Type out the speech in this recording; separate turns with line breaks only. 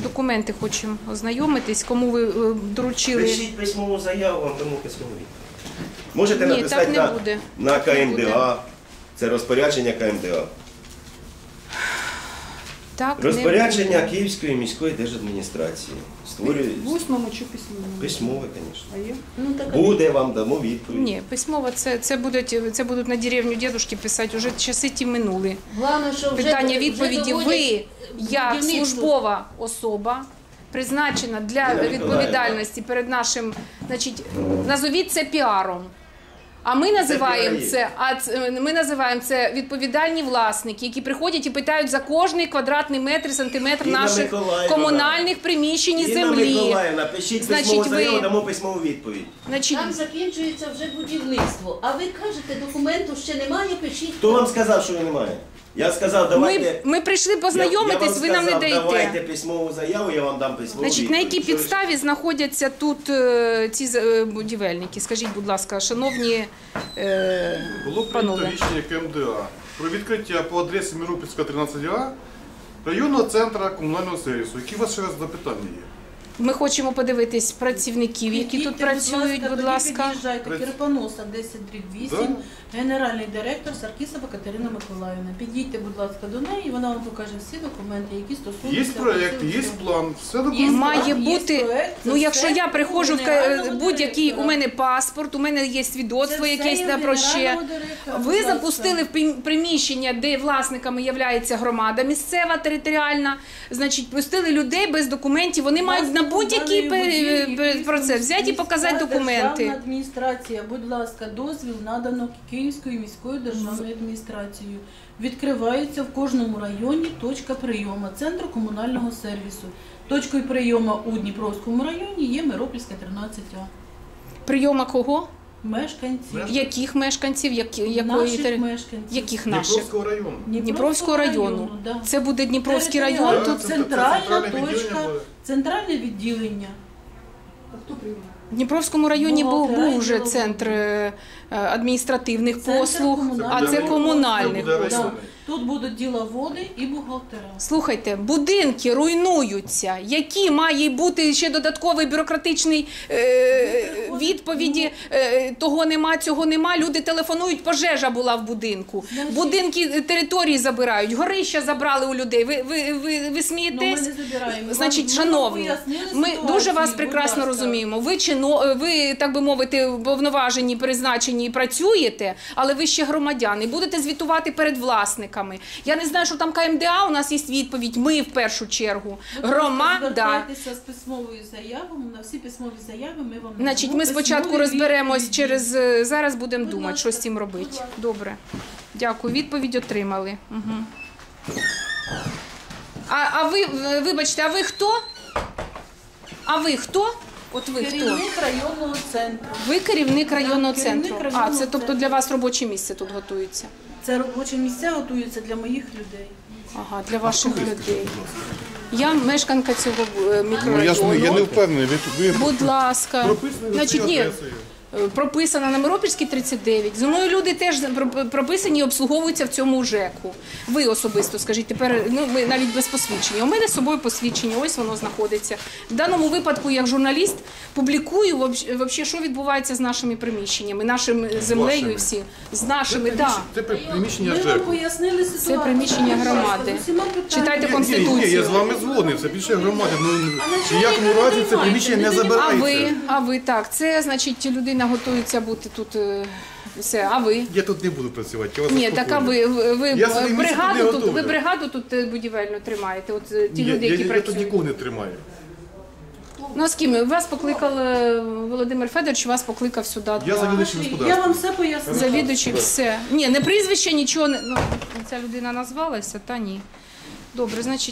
документи хочемо ознайомитись, кому ви доручили.
Пишіть письмову заяву, вам дамо письмову відповідь. Можете
Ні,
написати
так не буде.
на
Не буде.
КМДА. Це розпорядження КМДА.
Так, не
Розпорядження
буде.
Київської міської держадміністрації. Створює
В усному чи письмовому?
письмове, звісно.
А є? Ну, так,
Буде, вам дамо відповідь.
Ні, письмово це будуть на деревню дідушки писати, вже часи ті минули.
Главное, що вже,
Питання відповіді.
вже
Ви, як
будівництво.
службова особа, призначена для відповідальності перед нашим, значить, назовіть це піаром. А ми називаємо це відповідальні власники, які приходять і питають за кожний квадратний метр, сантиметр
Інна
наших
Миколаївна.
комунальних приміщень і
Інна
землі.
Миколаївна, пишіть
Значить,
письмову
ви-
заяву, дамо письмову відповідь.
Значить,
Там закінчується вже будівництво. А ви кажете, документу ще немає, пишіть.
Хто вам сказав, що його немає? Я сказав, давайте...
ми прийшли познайомитись, ви нам не даєте.
Давайте письмову заяву, я вам дам письмову
Значить, на якій підставі знаходяться тут ці будівельники? Скажіть, будь ласка, шановні
Було прийнято
панове.
рішення КМДА про відкриття по адресі Миропільська, 13А районного центру комунального сервісу. Які у вас ще раз запитання є?
Ми хочемо подивитись працівників, які тут працюють, будь ласка.
Під'їжджайте, Кирпоноса, 10/8, генеральний директор Саркісова Катерина Миколаївна. Підійдьте, будь ласка, до неї, вона вам покаже всі документи, які стосуються.
Є проєкт, є план, все документи.
Має
Є
бути,
проект,
ну
це
якщо
все
я приходжу в
генерального
будь-який, у
директора.
мене паспорт, у мене є свідоцтво якесь на про ще. Ви запустили в приміщення, де власниками є громада місцева, територіальна, значить, пустили людей без документів, вони мають на будь-який процес взяти і показати документи.
Державна адміністрація, будь ласка, дозвіл надано Київською міською державною адміністрацією. Відкривається в кожному районі точка прийому центру комунального сервісу. Точкою прийому у Дніпровському районі є Миропільська, 13А.
Прийома кого?
Мешканців.
Яких мешканців? Якої
Наших мешканців.
Яких наших?
Дніпровського району.
Дніпровського району.
Да.
Це буде Дніпровський район?
Територіально.
Тут
Центральна
центральне
точка,
відділення буде.
центральне відділення. Хто приймає?
в Дніпровському районі
Бухгалтера
був вже
і
центр адміністративних
Центр
послуг,
комунальних
а це
послуг.
комунальних.
Це буде
послуг.
районний.
Тут будуть діловоди і бухгалтера.
Слухайте, будинки руйнуються. Які має бути ще додатковий бюрократичний відповіді? Того нема, цього нема. Люди телефонують, пожежа була в будинку. Будинки території забирають, горища забрали у людей. Ви смієтесь?
Ну, ми не забираємо.
Значить,
Ми вам
шановні,
пояснили
ми
ситуацію,
дуже вас
будь
прекрасно
ласка.
розуміємо. Ви, так би мовити, повноважені, призначені і працюєте, але ви ще громадяни. Будете звітувати перед власниками. Я не знаю, що там КМДА, у нас є відповідь. Ми в першу чергу. Громада.
Звертайтеся з письмовою заявою, на всі письмові заяви ми вам
Значить,
надамо
ми спочатку
письмові
розберемось
відповіді.
зараз будемо
Будь
думати,
ласка,
що з цим робити.
будь ласка.
Добре. Дякую. Відповідь отримали. Угу. А ви, вибачте, а ви хто? А ви хто? От ви хто?
Керівник районного центру.
Ви керівник районного
керівник
центру.
районного
Це тобто
центру.
для вас робоче місце тут готується?
Це робочі місця готуються для моїх людей.
Ага, для ваших людей. Я мешканка цього
Ну,
мікрорайону.
я не впевнений, ви
Будь ласка.
прописані за
Значить,
цією
ні,
адресою.
прописана на Миропільській 39. Зі мною люди теж прописані і обслуговуються в цьому ЖЕКу. Ви особисто, скажіть, тепер, ну, ми навіть без посвідчення. У мене з собою посвідчення, ось воно знаходиться. В даному випадку, як журналіст, публікую, вообще, що відбувається з нашими приміщеннями, нашою землею і
Вашими?
всі. З нашими, так.
Це приміщення
Ми вам
ЖЕКу.
пояснили ситуацію.
Це приміщення
Будь ласка,
громади.
з усіма питаннями.
Читайте
Ні,
Конституцію.
я з вами згоден, це більше громади. Ну, в ніякому
не
разі це
приймайте,
приміщення не
не
забирається.
А ви, так, це, значить, людина готується бути тут, все, а ви?
Я тут не буду працювати, я вас
Ні, так а
успокою.
ви
Я собі місце
бригаду
не
тут,
готовлю.
ви бригаду тут будівельну тримаєте, от ті
Ні,
люди, які
я тут
працюють.
нікого не тримаю.
Ну, а з ким? Вас покликав Володимир Федорович, вас покликав сюди.
Я завідуючий
Я
господарством.
вам все пояснила.
Завідуючий, все. Ні, не прізвище, нічого, не, ну, ця людина назвалася, та ні. Добре, значить.